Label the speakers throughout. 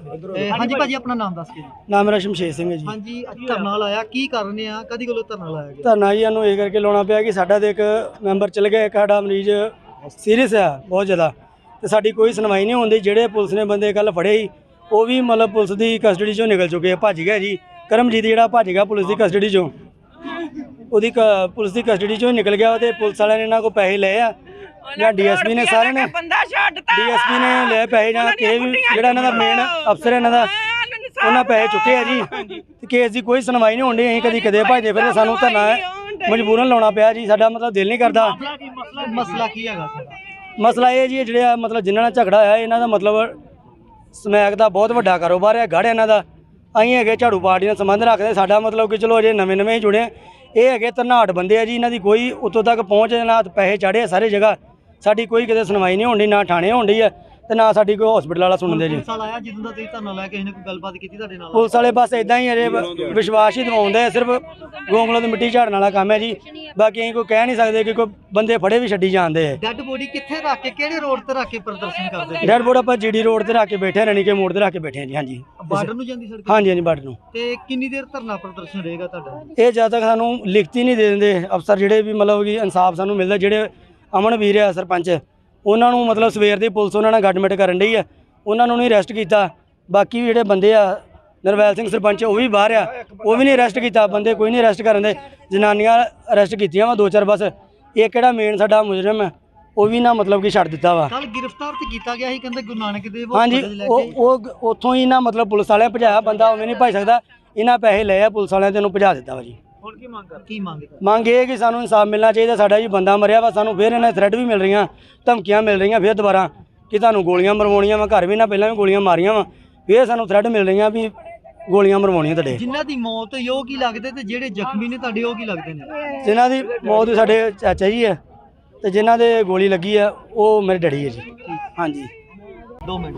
Speaker 1: ਹਾਂਜੀ ਭਾਜੀ ਆਪਣਾ ਨਾਮ ਦੱਸ ਕੇ ਜੀ।
Speaker 2: ਨਾਮ ਮੇਰਾ ਸ਼ਮਸ਼ੇਰ ਸਿੰਘ ਹੈ ਜੀ।
Speaker 1: ਹਾਂਜੀ ਧਰਨਾ ਲਾਇਆ ਕੀ ਕਾਰਨ ਆ ਕਦੀ ਕੋਲੋਂ ਧਰਨਾ ਲਾਇਆ ਗਿਆ?
Speaker 2: ਧਰਨਾ ਜੀ ਸਾਨੂੰ ਇਹ ਕਰਕੇ ਲਾਉਣਾ ਪਿਆ ਕਿ ਸਾਡਾ ਤੇ ਇੱਕ ਮੈਂਬਰ ਚਲ ਗਿਆ, ਇੱਕ ਸਾਡਾ ਮਰੀਜ਼ ਸੀਰੀਅਸ ਆ ਬਹੁਤ ਜ਼ਿਆਦਾ, ਤੇ ਸਾਡੀ ਕੋਈ ਸੁਣਵਾਈ ਨਹੀਂ ਹੁੰਦੀ। ਜਿਹੜੇ ਪੁਲਿਸ ਨੇ ਬੰਦੇ ਕੱਲ ਫੜੇ ਸੀ ਉਹ ਵੀ ਮਤਲਬ ਪੁਲਿਸ ਦੀ ਕਸਟਡੀ ਚੋਂ ਨਿਕਲ ਚੁੱਕੇ ਆ, ਭੱਜ ਗਿਆ ਜੀ। ਕਰਮਜੀਤ ਜਿਹੜਾ ਭੱਜ ਗਿਆ ਪੁਲਿਸ ਦੀ ਕਸਟਡੀ ਚੋਂ, ਉਹਦੀ ਪੁਲਿਸ ਦੀ ਕਸਟਡੀ ਚੋਂ ਨਿਕਲ ਗਿਆ ਤੇ ਪੁਲਿਸ ਵਾਲਿਆਂ ਨੇ ਇਹਨਾਂ ਕੋਲ ਪੈਸੇ ਲਏ ਆ ਜਾਂ ਡੀਐਸਪੀ ਨੇ, ਸਾਰਿਆਂ ਨੇ ਡੀਐਸਪੀ ਨੇ ਲਏ ਪੈਸੇ ਜਾਂ ਕਿਸੇ ਵੀ ਜਿਹੜਾ ਇਹਨਾਂ ਦਾ ਮੇਨ ਅਫਸਰ ਇਹਨਾਂ ਦਾ ਉਹਨਾਂ ਪੈਸੇ ਚੁੱਕੇ ਆ ਜੀ। ਤੇ ਕੇਸ ਦੀ ਕੋਈ ਸੁਣਵਾਈ ਨਹੀਂ ਹੁੰਦੀ। ਅਸੀਂ ਕਦੀ ਕਦੇ ਭੱਜਦੇ ਫਿਰ ਸਾਨੂੰ ਧਰਨਾ ਮਜਬੂਰਨ ਲਾਉਣਾ ਪਿਆ ਜੀ। ਸਾਡਾ ਮਤਲਬ ਦਿਲ ਨਹੀਂ ਕਰਦਾ।
Speaker 1: ਮਸਲਾ ਕੀ ਹੈਗਾ ਸਾਡਾ?
Speaker 2: ਮਸਲਾ ਇਹ ਜੀ ਜਿਹੜਾ ਮਤਲਬ ਜਿਨ੍ਹਾਂ ਨਾਲ ਝਗੜਾ ਹੋਇਆ ਇਹਨਾਂ ਦਾ ਮਤਲਬ ਸਮੈਕ ਦਾ ਬਹੁਤ ਵੱਡਾ ਕਾਰੋਬਾਰ ਹੈ, ਗੜ੍ਹ ਇਹਨਾਂ ਦਾ। ਅਸੀਂ ਹੈਗੇ ਝਾੜੂ ਪਾਰਟੀ ਨਾਲ ਸੰਬੰਧ ਰੱਖਦੇ। ਸਾਡਾ ਮਤਲਬ ਕਿ ਚਲੋ ਅਜੇ ਨਵੇਂ ਹੀ ਜੁੜੇ, ਇਹ ਹੈਗੇ ਧਨਾਟ ਬੰਦੇ ਆ ਜੀ। ਇਹਨਾਂ ਦੀ ਕੋਈ ਉੱਤੋਂ ਤੱਕ ਪਹੁੰਚ ਨਾ, ਪੈਸੇ ਚਾੜੇ ਸਾਰੇ ਜਗ੍ਹਾ। ਸਾਡੀ ਕੋਈ ਕਿਤੇ ਸੁਣਵਾਈ ਨਹੀਂ ਹੁੰਦੀ, ਨਾ ਥਾਣੇ ਹੁੰਦੀ ਹੈ ਤੇ ਨਾ ਸਾਡੀ ਕੋਈ ਹਸਪੀਟਲ ਵਾਲਾ ਸੁਣਦੇ ਜੀ।
Speaker 1: ਪੁਲਿਸ ਵਾਲਾ ਆਇਆ ਜਦੋਂ ਦਾ ਤੁਸੀਂ ਧਰਨਾ ਲਾਇਆ, ਕਿਸੇ ਨੇ ਕੋਈ ਗੱਲਬਾਤ ਕੀਤੀ ਤੁਹਾਡੇ ਨਾਲ?
Speaker 2: ਪੁਲਿਸ ਵਾਲੇ ਬਸ ਇਦਾਂ ਹੀ ਅਜੇ ਵਿਸ਼ਵਾਸ ਹੀ ਦਿਵਾਉਂਦੇ ਆ, ਸਿਰਫ ਗੋਂਗਲੋਂ ਦੀ ਮਿੱਟੀ ਝਾੜਨ ਵਾਲਾ ਕੰਮ ਹੈ ਜੀ। ਬਾਕੀ ਅਸੀਂ ਕੋਈ ਕਹਿ ਨਹੀਂ ਸਕਦੇ ਕਿ ਕੋਈ ਬੰਦੇ ਫੜੇ ਵੀ ਛੱਡੀ ਜਾਂਦੇ ਆ।
Speaker 1: ਡੈੱਡ ਬੋਡੀ ਕਿੱਥੇ ਰੱਖ ਕੇ, ਕਿਹੜੇ ਰੋਡ ਤੇ ਰੱਖ ਕੇ ਪ੍ਰਦਰਸ਼ਨ ਕਰਦੇ?
Speaker 2: ਡੈਡ ਬੋਡੀ ਆਪਾਂ ਜੀਡੀ ਰੋਡ ਤੇ ਰੱਖ ਕੇ ਬੈਠੇ, ਰਣੀਕੇ ਮੋੜ ਤੇ ਰੱਖ ਕੇ ਬੈਠੇ ਹਾਂ ਜੀ। ਹਾਂਜੀ
Speaker 1: ਬਾਰਡਰ ਨੂੰ ਜਾਂਦੀ ਸੜਕ?
Speaker 2: ਹਾਂਜੀ ਹਾਂਜੀ ਬਾਰਡਰ ਨੂੰ।
Speaker 1: ਤੇ ਕਿੰਨੀ ਦੇਰ ਧਰਨਾ ਪ੍ਰਦਰਸ਼ਨ ਰਹੇਗਾ ਤੁਹਾਡਾ?
Speaker 2: ਇਹ ਜਦ ਤੱਕ ਸਾਨੂੰ ਲਿਖਤੀ ਨਹੀਂ ਦੇ ਦਿੰਦੇ ਅਫਸਰ ਜਿਹੜੇ ਵੀ ਮਤਲਬ ਕਿ ਇਨਸਾਫ ਸਾਨੂੰ ਮਿਲਦਾ। ਜਿਹੜੇ ਅਮਨ ਵੀਰ ਆ ਸਰਪੰਚ, ਉਹਨਾਂ ਨੂੰ ਮਤਲਬ ਸਵੇਰ ਦੀ ਪੁਲਿਸ ਉਹਨਾਂ ਨਾਲ ਗੱਡਮਿਟ ਕਰਨ ਡਈ ਆ, ਉਹਨਾਂ ਨੂੰ ਨਹੀਂ ਅਰੈਸਟ ਕੀਤਾ। ਬਾਕੀ ਵੀ ਜਿਹੜੇ ਬੰਦੇ ਆ, ਨਰਵੈਲ ਸਿੰਘ ਸਰਪੰਚ ਉਹ ਵੀ ਬਾਹਰ ਆ, ਉਹ ਵੀ ਨਹੀਂ ਅਰੈਸਟ ਕੀਤਾ। ਬੰਦੇ ਕੋਈ ਨਹੀਂ ਅਰੈਸਟ ਕਰਨ ਦੇ। ਜਨਾਨੀਆਂ ਅਰੈਸਟ ਕੀਤੀਆਂ ਵਾ 2-4 ਬਸ। ਇਹ ਕਿਹੜਾ ਮੇਨ ਸਾਡਾ ਮੁਜਰਮ ਹੈ ਉਹ ਵੀ ਨਾ ਮਤਲਬ ਕਿ ਛੱਡ ਦਿੱਤਾ ਵਾ।
Speaker 1: ਕੱਲ ਗ੍ਰਿਫਤਾਰ ਤੇ ਕੀਤਾ ਗਿਆ ਸੀ, ਕਹਿੰਦੇ ਗੁਰੂ ਨਾਨਕ ਦੇਵ।
Speaker 2: ਹਾਂਜੀ ਉਹ ਉੱਥੋਂ ਹੀ ਨਾ ਮਤਲਬ ਪੁਲਿਸ ਵਾਲਿਆਂ ਭਜਾਇਆ। ਬੰਦਾ ਉਵੇਂ ਨਹੀਂ ਭਜ ਸਕਦਾ। ਇਹਨਾਂ ਪੈਸੇ ਲਏ ਆ ਪੁਲਿਸ ਵਾਲਿਆਂ ਤੇ ਉਹਨੂੰ ਭਜਾ ਦਿੱਤਾ ਵਾ ਜੀ।
Speaker 1: ਹੁਣ ਕੀ ਮੰਗ ਕਰ? ਕੀ ਮੰਗ?
Speaker 2: ਮੰਗ ਇਹ ਕਿ ਸਾਨੂੰ ਇਨਸਾਫ ਮਿਲਣਾ ਚਾਹੀਦਾ। ਸਾਡਾ ਜੀ ਬੰਦਾ ਮਰਿਆ ਵਾ, ਸਾਨੂੰ ਫਿਰ ਇਹਨਾਂ ਥ੍ਰੈਡ ਵੀ ਮਿਲ ਰਹੀਆਂ, ਧਮਕੀਆਂ ਮਿਲ ਰਹੀਆਂ ਫਿਰ ਦੁਬਾਰਾ ਕਿ ਤੁਹਾਨੂੰ ਗੋਲੀਆਂ ਮਰਵਾਉਣੀਆਂ ਵਾ। ਘਰ ਵੀ ਨਾ ਪਹਿਲਾਂ ਵੀ ਗੋਲੀਆਂ ਮਾਰੀਆਂ ਵਾ, ਫਿਰ ਸਾਨੂੰ ਥ੍ਰੈਡ ਮਿਲ ਰਹੀਆਂ ਵੀ ਗੋਲੀਆਂ ਮਰਵਾਉਣੀਆਂ ਤੁਹਾਡੇ।
Speaker 1: ਜਿਨ੍ਹਾਂ ਦੀ ਮੌਤ ਹੋਈ ਉਹ ਕੀ ਲੱਗਦੇ ਤੇ ਜਿਹੜੇ ਜ਼ਖਮੀ ਨੇ ਤੁਹਾਡੇ ਉਹ ਕੀ ਲੱਗਦੇ ਨੇ?
Speaker 2: ਜਿਨ੍ਹਾਂ ਦੀ ਮੌਤ ਸਾਡੇ ਚਾਚਾ ਜੀ ਹੈ ਤੇ ਜਿਨ੍ਹਾਂ ਦੇ ਗੋਲੀ ਲੱਗੀ ਆ ਉਹ ਮੇਰੇ ਡੈਡੀ ਹੈ ਜੀ। ਹਾਂਜੀ
Speaker 1: 2 ਮਿੰਟ।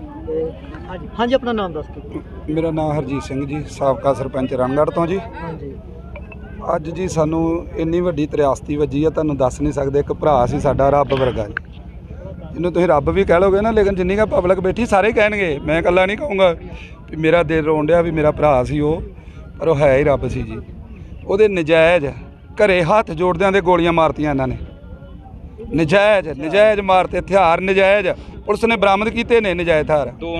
Speaker 1: ਹਾਂਜੀ ਆਪਣਾ ਨਾਮ ਦੱਸ ਦਿਓ।
Speaker 3: ਮੇਰਾ ਨਾਮ ਹਰਜੀਤ ਸਿੰਘ ਜੀ, ਸਾਬਕਾ ਸਰਪੰਚ ਰਣਗੜ੍ਹ ਤੋਂ ਜੀ।
Speaker 1: ਹਾਂਜੀ
Speaker 3: ਅੱਜ ਜੀ ਸਾਨੂੰ ਇੰਨੀ ਵੱਡੀ ਤ੍ਰਿਆਸਤੀ ਵੱਜੀ ਆ, ਤੁਹਾਨੂੰ ਦੱਸ ਨਹੀਂ ਸਕਦੇ। ਇੱਕ ਭਰਾ ਸੀ ਸਾਡਾ ਰੱਬ ਵਰਗਾ ਜੀ, ਜਿਹਨੂੰ ਤੁਸੀਂ ਰੱਬ ਵੀ ਕਹਿ ਲੋਗੇ ਨਾ, ਲੇਕਿਨ ਜਿੰਨੀ ਕੁ ਪਬਲਿਕ ਬੈਠੀ ਸਾਰੇ ਕਹਿਣਗੇ, ਮੈਂ ਇਕੱਲਾ ਨਹੀਂ ਕਹੂੰਗਾ ਵੀ ਮੇਰਾ ਦਿਲ ਰੋਣ ਡਿਆ ਵੀ ਮੇਰਾ ਭਰਾ ਸੀ ਉਹ, ਪਰ ਉਹ ਹੈ ਹੀ ਰੱਬ ਸੀ ਜੀ। ਉਹਦੇ ਨਜਾਇਜ਼ ਘਰੇ ਹੱਥ ਜੋੜਦਿਆਂ ਦੇ ਗੋਲੀਆਂ ਮਾਰਤੀਆਂ ਇਹਨਾਂ ਨੇ। ਨਜਾਇਜ਼ ਮਾਰਤੇ ਹਥਿਆਰ, ਨਜਾਇਜ਼ ਪੁਲਿਸ ਨੇ ਬਰਾਮਦ ਕੀਤੇ ਨੇ ਨਜਾਇਜ਼ ਹਥਿਆਰ। 2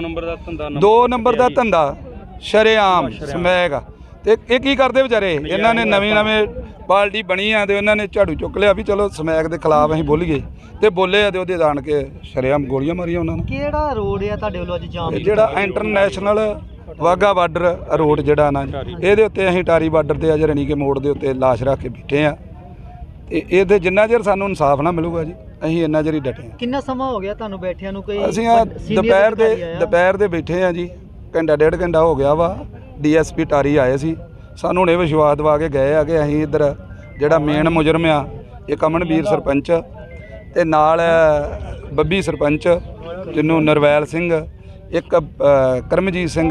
Speaker 3: ਨੰਬਰ ਦਾ ਧੰਦਾ ਸ਼ਰੇਆਮ ਸਮੈਕ। ਤੇ ਇਹ ਕੀ ਕਰਦੇ ਵਿਚਾਰੇ? ਇਹਨਾਂ ਨੇ ਨਵੀਂ ਪਾਰਟੀ ਬਣੀ ਆ ਤੇ ਉਹਨਾਂ ਨੇ ਝਾੜੂ ਚੁੱਕ ਲਿਆ ਵੀ ਚਲੋ ਸਮੈਕ ਦੇ ਖਿਲਾਫ ਅਸੀਂ ਬੋਲੀਏ, ਤੇ ਬੋਲੇ ਆ ਤੇ ਉਹਦੇ ਜਾਣ ਕੇ ਸ਼ਰੇਆਮ ਗੋਲੀਆਂ ਮਾਰੀਆਂ ਉਹਨਾਂ ਨੇ।
Speaker 1: ਕਿਹੜਾ ਰੋਡ ਆ ਤੁਹਾਡੇ ਵੱਲੋਂ ਅੱਜ ਜਾਮ?
Speaker 3: ਜਿਹੜਾ ਇੰਟਰਨੈਸ਼ਨਲ ਵਾਘਾ ਬਾਰਡਰ ਰੋਡ ਜਿਹੜਾ ਨਾ, ਇਹਦੇ ਉੱਤੇ ਅਸੀਂ ਟਾਰੀ ਬਾਰਡਰ ਤੇ ਅੱਜ ਰਣੀਕੇ ਮੋੜ ਦੇ ਉੱਤੇ ਲਾਸ਼ ਰੱਖ ਕੇ ਬੈਠੇ ਆ। ਤੇ ਇਹਦੇ ਜਿੰਨਾ ਚਿਰ ਸਾਨੂੰ ਇਨਸਾਫ ਨਾ ਮਿਲੂਗਾ ਜੀ, ਅਸੀਂ ਇੰਨਾ ਚਿਰ ਹੀ ਡਟੇ ਆ।
Speaker 1: ਕਿੰਨਾ ਸਮਾਂ ਹੋ ਗਿਆ ਤੁਹਾਨੂੰ ਬੈਠਿਆਂ ਨੂੰ? ਕੋਈ
Speaker 3: ਅਸੀਂ ਆ ਦੁਪਹਿਰ ਦੇ ਬੈਠੇ ਆ ਜੀ, ਘੰਟਾ 1.5 ਘੰਟਾ ਹੋ ਗਿਆ ਵਾ। ਡੀਐਸਪੀ ਟਾਰੀ ਆਏ ਸੀ, ਸਾਨੂੰ ਹੁਣੇ ਵਿਸ਼ਵਾਸ ਦਵਾ ਕੇ ਗਏ ਆ ਕਿ ਅਸੀਂ ਇੱਧਰ ਜਿਹੜਾ ਮੇਨ ਮੁਜਰਮ ਆ ਇੱਕ ਅਮਨਵੀਰ ਸਰਪੰਚ ਤੇ ਨਾਲ ਬੱਬੀ ਸਰਪੰਚ ਜਿਹਨੂੰ ਨਰਵੈਲ ਸਿੰਘ, ਇੱਕ ਕਰਮਜੀਤ ਸਿੰਘ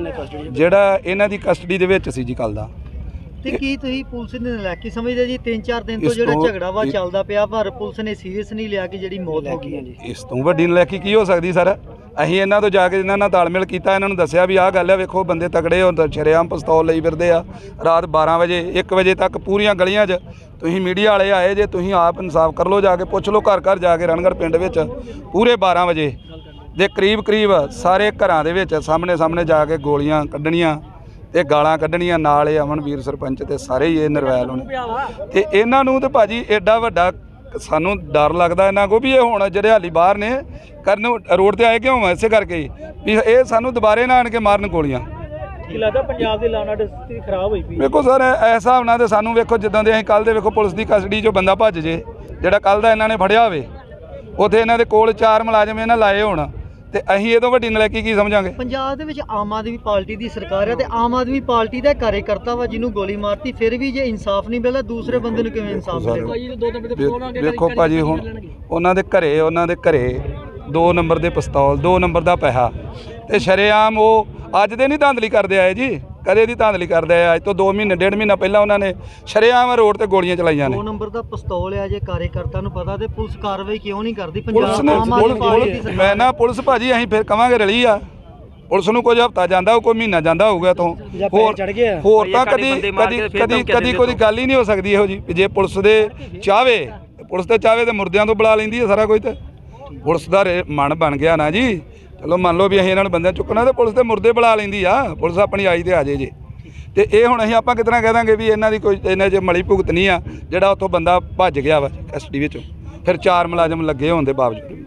Speaker 3: ਜਿਹੜਾ ਇਹਨਾਂ ਦੀ ਕਸਟਡੀ ਦੇ ਵਿੱਚ ਸੀ ਜੀ ਕੱਲ ਦਾ।
Speaker 1: ਤੇ ਕੀ ਤੁਸੀਂ ਪੁਲਿਸ ਨੇ ਨਲਾਇਕੀ ਸਮਝਦੇ ਜੀ? 3-4 ਦਿਨ ਤੋਂ ਜਿਹੜਾ ਝਗੜਾ ਵਾ ਚੱਲਦਾ ਪਿਆ, ਪਰ ਪੁਲਿਸ ਨੇ ਸੀਰੀਅਸ ਨਹੀਂ ਲਿਆ ਕਿ ਜਿਹੜੀ ਮੌਤ ਹੋ ਗਈ ਹੈ ਜੀ।
Speaker 3: ਇਸ ਤੋਂ ਵੱਡੀ ਨਲਾਇਕੀ ਕੀ ਹੋ ਸਕਦੀ ਸਰ? ਅਸੀਂ ਇਹਨਾਂ ਤੋਂ ਜਾ ਕੇ ਇਹਨਾਂ ਨਾਲ ਤਾਲਮੇਲ ਕੀਤਾ, ਇਹਨਾਂ ਨੂੰ ਦੱਸਿਆ ਵੀ ਆਹ ਗੱਲ ਹੈ, ਵੇਖੋ ਬੰਦੇ ਤਕੜੇ ਹੋ, ਸ਼ਰੇਆਮ ਪਿਸਤੌਲ ਲਈ ਫਿਰਦੇ ਆ। ਰਾਤ 12 ਵਜੇ 1 ਵਜੇ ਤੱਕ ਪੂਰੀਆਂ ਗਲੀਆਂ 'ਚ ਤੁਸੀਂ ਮੀਡੀਆ ਵਾਲੇ ਆਏ ਜੇ, ਤੁਸੀਂ ਆਪ ਇਨਸਾਫ ਕਰ ਲਓ, ਜਾ ਕੇ ਪੁੱਛ ਲਓ ਘਰ ਘਰ ਜਾ ਕੇ। ਰਣਗੜ੍ਹ ਪਿੰਡ ਵਿੱਚ ਪੂਰੇ 12 ਵਜੇ ਦੇ ਕਰੀਬ ਸਾਰੇ ਘਰਾਂ ਦੇ ਵਿੱਚ ਸਾਹਮਣੇ ਜਾ ਕੇ ਗੋਲੀਆਂ ਕੱਢਣੀਆਂ ਤੇ ਗਾਲਾਂ ਕੱਢਣੀਆਂ। ਨਾਲ ਇਹ ਅਮਨਵੀਰ ਸਰਪੰਚ ਤੇ ਸਾਰੇ ਹੀ ਇਹ ਨਰਵੈਲ ਹੋਣੇ। ਤੇ ਇਹਨਾਂ ਨੂੰ ਤੇ ਭਾਜੀ ਐਡਾ ਵੱਡਾ ਸਾਨੂੰ ਡਰ ਲੱਗਦਾ ਇਹਨਾਂ ਕੋ ਵੀ ਇਹ ਹੁਣ ਜਿਹੜੇ ਹਾਲੀ ਬਾਹਰ ਨੇ ਕਰਨ ਰੋਡ ਤੇ ਆਏ ਕਿਉਂ? ਇਸੇ ਕਰਕੇ ਵੀ ਇਹ ਸਾਨੂੰ ਦੁਬਾਰੇ ਨਾ ਆਣ ਕੇ ਮਾਰਨ ਗੋਲੀਆਂ।
Speaker 1: ਕੀ ਲੱਗਦਾ ਪੰਜਾਬ ਦੀ ਲਾਅ ਐਂਡ ਸਥਿਤੀ ਖਰਾਬ ਹੋਈ ਪਈ?
Speaker 3: ਵੇਖੋ ਸਰ ਇਸ ਹਿਸਾਬ ਨਾਲ ਤੇ ਸਾਨੂੰ ਵੇਖੋ ਜਿੱਦਾਂ ਦੇ ਅਸੀਂ ਕੱਲ੍ਹ ਦੇ ਵੇਖੋ ਪੁਲਿਸ ਦੀ ਕਸਟਡੀ 'ਚੋਂ ਬੰਦਾ ਭੱਜ ਜੇ, ਜਿਹੜਾ ਕੱਲ੍ਹ ਦਾ ਇਹਨਾਂ ਨੇ ਫੜਿਆ ਹੋਵੇ, ਉੱਥੇ ਇਹਨਾਂ ਦੇ ਕੋਲ 4 ਮੁਲਾਜ਼ਮ ਇਹਨਾਂ ਲਾਏ ਹੋਣ, ਤੇ ਅਸੀਂ ਇਹ ਤੋਂ ਵੱਡੀ ਨਲਾਇਕੀ ਕੀ ਸਮਝਾਂਗੇ? ਪੰਜਾਬ
Speaker 1: ਦੇ ਵਿੱਚ ਆਮ ਆਦਮੀ ਪਾਰਟੀ ਦੀ ਸਰਕਾਰ ਹੈ ਤੇ ਆਮ ਆਦਮੀ ਪਾਰਟੀ ਦਾ ਕਾਰਜਕਰਤਾ ਵਾ ਜਿਹਨੂੰ ਗੋਲੀ ਮਾਰਤੀ, ਫਿਰ ਵੀ ਜੇ ਇਨਸਾਫ ਨਹੀਂ ਮਿਲਦਾ ਦੂਸਰੇ ਬੰਦੇ ਨੂੰ ਕਿਵੇਂ ਇਨਸਾਫ ਮਿਲੇਗਾ?
Speaker 3: ਵੇਖੋ ਭਾਜੀ ਹੁਣ ਉਹਨਾਂ ਦੇ ਘਰੇ 2 ਨੰਬਰ ਦੇ ਪਿਸਤੌਲ, 2 ਨੰਬਰ ਦਾ ਪੈਸਾ, ਤੇ ਸ਼ਰੇਆਮ ਉਹ ਅੱਜ ਦੇ ਨਹੀਂ ਧਾਂਦਲੀ ਕਰਦੇ ਆਏ ਜੀ, ਕਦੇ ਦੀ ਧਾਂਦਲੀ ਕਰਦੇ ਆਏ। ਅੱਜ ਤੋਂ 2 ਮਹੀਨੇ 1.5 ਮਹੀਨਾ ਪਹਿਲਾਂ ਉਹਨਾਂ ਨੇ ਸ਼ਰੇਆਮ ਰੋਡ ਤੇ ਗੋਲੀਆਂ ਚਲਾਈਆਂ ਨੇ।
Speaker 1: 2 ਨੰਬਰ ਦਾ ਪਿਸਤੌਲ ਆ, ਜੇ ਕਾਰਜਕਰਤਾ ਨੂੰ ਪਤਾ ਤੇ ਪੁਲਿਸ ਕਾਰਵਾਈ ਕਿਉਂ ਨਹੀਂ ਕਰਦੀ?
Speaker 3: ਮੈਂ ਨਾ ਪੁਲਿਸ ਭਾਜੀ ਅਸੀਂ ਫਿਰ ਕਵਾਂਗੇ ਰਲੀ ਆ, ਪੁਲਿਸ ਨੂੰ ਕੁਝ ਹਫ਼ਤਾ ਜਾਂਦਾ ਕੋਈ ਮਹੀਨਾ ਜਾਂਦਾ ਹੋਊਗਾ ਇੱਥੋਂ ਹੋਰ
Speaker 2: ਚੜ ਗਿਆ
Speaker 3: ਹੋਰ ਤਾਂ ਕਦੀ ਕੋਈ ਗੱਲ ਹੀ ਨਹੀਂ ਹੋ ਸਕਦੀ ਇਹੋ ਜੀ ਜੇ ਪੁਲਿਸ ਦੇ ਚਾਹਵੇ ਪੁਲਿਸ ਤੇ ਚਾਹਵੇ ਤੇ ਮੁਰਦਿਆਂ ਤੋਂ ਬੁਲਾ ਲੈਂਦੀ ਹੈ ਸਾਰਾ ਕੁਝ। ਤੇ ਪੁਲਿਸ ਦਾ ਮਨ ਬਣ ਗਿਆ ਨਾ ਜੀ, ਚਲੋ ਮੰਨ ਲਓ ਵੀ ਅਸੀਂ ਇਹਨਾਂ ਨੂੰ ਬੰਦਿਆਂ ਚੁੱਕਣਾ ਤੇ ਪੁਲਿਸ ਤੇ ਮੁਰਦੇ ਬੁਲਾ ਲੈਂਦੀ ਆ, ਪੁਲਿਸ ਆਪਣੀ ਆਈ ਤੇ ਆ ਜੇ ਤੇ ਇਹ ਹੁਣ ਅਸੀਂ ਆਪਾਂ ਕਿਤਨਾ ਕਹਿ ਦਾਂਗੇ ਵੀ ਇਹਨਾਂ ਦੀ ਕੋਈ ਇਹਨਾਂ 'ਚ ਮਲੀ ਭੁਗਤ ਨਹੀਂ ਆ ਜਿਹੜਾ ਉੱਥੋਂ ਬੰਦਾ ਭੱਜ ਗਿਆ ਵਾ ਕਸਟਡੀ ਵਿੱਚੋਂ, ਫਿਰ 4 ਮੁਲਾਜ਼ਮ ਲੱਗੇ ਹੋਣ ਦੇ ਬਾਵਜੂਦ ਵੀ।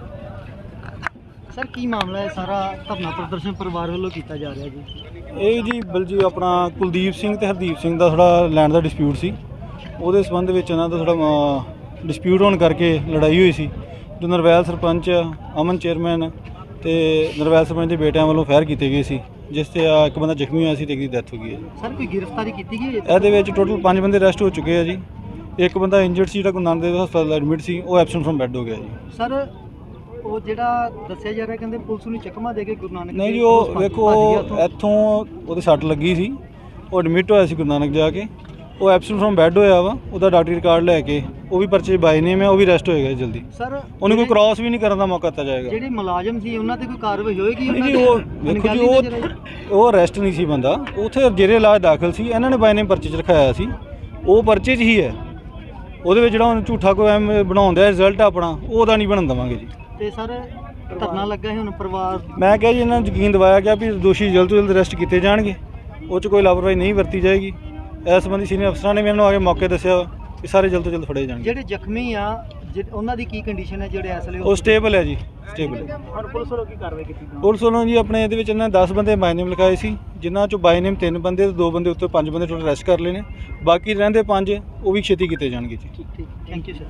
Speaker 1: ਸਰ ਕੀ ਮਾਮਲਾ ਹੈ ਸਾਰਾ ਧਰਨਾ ਪ੍ਰਦਰਸ਼ਨ ਪਰਿਵਾਰ ਵੱਲੋਂ ਕੀਤਾ ਜਾ ਰਿਹਾ ਜੀ?
Speaker 4: ਇਹ ਜੀ ਬਲਜੀ ਆਪਣਾ ਕੁਲਦੀਪ ਸਿੰਘ ਤੇ ਹਰਦੀਪ ਸਿੰਘ ਦਾ ਥੋੜਾ ਲੈਂਡ ਦਾ ਡਿਸਪਿਊਟ ਸੀ, ਉਹਦੇ ਸੰਬੰਧ ਵਿੱਚ ਇਹਨਾਂ ਦਾ ਥੋੜਾ ਡਿਸਪਿਊਟ ਹੋਣ ਕਰਕੇ ਲੜਾਈ ਹੋਈ ਸੀ। ਜੋ ਨਰਵੈਲ ਸਰਪੰਚ ਅਮਨ ਚੇਅਰਮੈਨ ਤੇ ਨਰਵੈਲ ਸਰਪੰਚ ਦੇ ਬੇਟਿਆਂ ਵੱਲੋਂ ਫਾਇਰ ਕੀਤੇ ਗਏ ਸੀ, ਜਿਸ ਤੇ ਇੱਕ ਬੰਦਾ ਜ਼ਖਮੀ ਹੋਇਆ ਸੀ ਤੇ ਇੱਕ ਦੀ ਡੈਥ ਹੋ ਗਈ ਹੈ।
Speaker 1: ਸਰ ਕੋਈ ਗ੍ਰਿਫਤਾਰੀ ਕੀਤੀ ਗਈ ਹੈ?
Speaker 4: ਇਹਦੇ ਵਿੱਚ ਟੋਟਲ 5 ਬੰਦੇ ਅਰੈਸਟ ਹੋ ਚੁੱਕੇ ਆ ਜੀ। ਇੱਕ ਬੰਦਾ ਇੰਜਰਡ ਸੀ ਜਿਹੜਾ ਗੁਰੂ ਨਾਨਕ ਦੇਵ ਹਸਪਤਾਲ ਐਡਮਿਟ ਸੀ, ਉਹ ਐਬਸੈਂਟ ਫਰਮ ਬੈੱਡ ਹੋ ਗਿਆ ਜੀ।
Speaker 1: ਸਰ ਉਹ ਜਿਹੜਾ ਦੱਸਿਆ ਜਾ ਰਿਹਾ ਕਹਿੰਦੇ ਪੁਲਿਸ ਨੂੰ ਚੱਕਮਾ ਦੇ ਕੇ ਗੁਰੂ ਨਾਨਕ
Speaker 4: ਨਹੀਂ ਜੀ, ਉਹ ਵੇਖੋ ਇੱਥੋਂ ਉਹਦੇ ਸੱਟ ਲੱਗੀ ਸੀ, ਉਹ ਐਡਮਿਟ ਹੋਇਆ ਸੀ ਗੁਰੂ ਨਾਨਕ ਜਾ ਕੇ, ਉਹ ਐਬਸੈਂਟ ਫਰਮ ਬੈੱਡ ਹੋਇਆ ਵਾ, ਉਹਦਾ ਡਾਕਟਰੀ ਰਿਕਾਰਡ ਲੈ ਕੇ ਉਹ ਵੀ ਪਰਚੇ ਬਾਈ ਨੇਮ ਹੈ, ਉਹ ਵੀ ਅਰੈਸਟ ਹੋਏਗਾ ਜਲਦੀ।
Speaker 1: ਸਰ
Speaker 4: ਉਹਨੂੰ ਕੋਈ ਕ੍ਰਾਸ ਵੀ ਨਹੀਂ ਕਰਨ ਦਾ ਮੌਕਾ ਦਿੱਤਾ ਜਾਏਗਾ।
Speaker 1: ਜਿਹੜੇ ਮੁਲਾਜ਼ਮ ਸੀ ਉਹਨਾਂ ਤੇ ਕੋਈ ਕਾਰਵਾਈ ਹੋਏਗੀ?
Speaker 4: ਨਹੀਂ ਜੀ, ਉਹ ਵੇਖੋ ਜੀ ਉਹ ਅਰੈਸਟ ਨਹੀਂ ਸੀ ਬੰਦਾ, ਉੱਥੇ ਜੇਰੇ ਇਲਾਜ ਦਾਖਲ ਸੀ, ਇਹਨਾਂ ਨੇ ਬਾਈ ਨੇਮ ਪਰਚੇ 'ਚ ਰਖਾਇਆ ਸੀ, ਉਹ ਪਰਚੇ 'ਚ ਹੀ ਹੈ। ਉਹਦੇ ਵਿੱਚ ਜਿਹੜਾ ਹੁਣ ਝੂਠਾ ਕੋਈ ਐਮ ਬਣਾਉਣ ਦਾ ਰਿਜ਼ਲਟ ਆਪਣਾ ਉਹਦਾ ਨਹੀਂ ਬਣਨ ਦੇਵਾਂਗੇ ਜੀ।
Speaker 1: ਤੇ ਸਰ ਧਰਨਾ ਲੱਗਾ ਹੈ ਹੁਣ ਪਰਿਵਾਰ,
Speaker 4: ਮੈਂ ਕਿਹਾ ਜੀ ਇਹਨਾਂ ਨੂੰ ਯਕੀਨ ਦਿਵਾਇਆ ਗਿਆ ਵੀ ਦੋਸ਼ੀ ਜਲਦ ਤੋਂ ਜਲਦ ਅਰੈਸਟ ਕੀਤੇ ਜਾਣਗੇ, ਉਹ 'ਚ ਕੋਈ ਲਾਪਰਵਾਹੀ ਨਹੀਂ ਵਰਤੀ ਜਾਏਗੀ। ਇਸ ਸੰਬੰਧੀ ਸੀਨੀਅਰ ਅਫਸਰਾਂ ਨੇ ਮੈਨੂੰ ਆ ਕੇ ਮੌਕੇ ਦੱਸਿਆ ਕਿ ਸਾਰੇ ਜਲਦ ਤੋਂ ਜਲਦ ਫੜੇ ਜਾਣਗੇ।
Speaker 1: ਜਿਹੜੇ ਜ਼ਖਮੀ ਆ ਉਹਨਾਂ ਦੀ ਕੀ ਕੰਡੀਸ਼ਨ ਹੈ ਜਿਹੜੇ ਇਸ ਲਈ?
Speaker 4: ਉਹ ਸਟੇਬਲ ਹੈ ਜੀ, ਸਟੇਬਲ ਹੈ।
Speaker 1: ਹੁਣ ਪੁਲਿਸ ਵੱਲੋਂ ਕੀ ਕਾਰਵਾਈ ਕੀਤੀ?
Speaker 4: ਪੁਲਿਸ ਵੱਲੋਂ ਜੀ ਆਪਣੇ ਇਹਦੇ ਵਿੱਚ ਇਹਨਾਂ 10 ਬੰਦੇ ਬਾਈ ਨੇਮ ਲਿਖਾਏ ਸੀ, ਜਿਨ੍ਹਾਂ 'ਚੋਂ ਬਾਈ ਨੇਮ 3 ਬੰਦੇ ਤੇ 2 ਬੰਦੇ ਉੱਤੇ 5 ਬੰਦੇ ਟੋਟਲ ਅਰੈਸਟ ਕਰ ਲਏ ਨੇ। ਬਾਕੀ ਰਹਿੰਦੇ 5 ਉਹ ਵੀ ਛੇਤੀ ਕੀਤੇ ਜਾਣਗੇ ਜੀ।
Speaker 1: ਠੀਕ ਥੈਂਕ ਯੂ ਸਰ।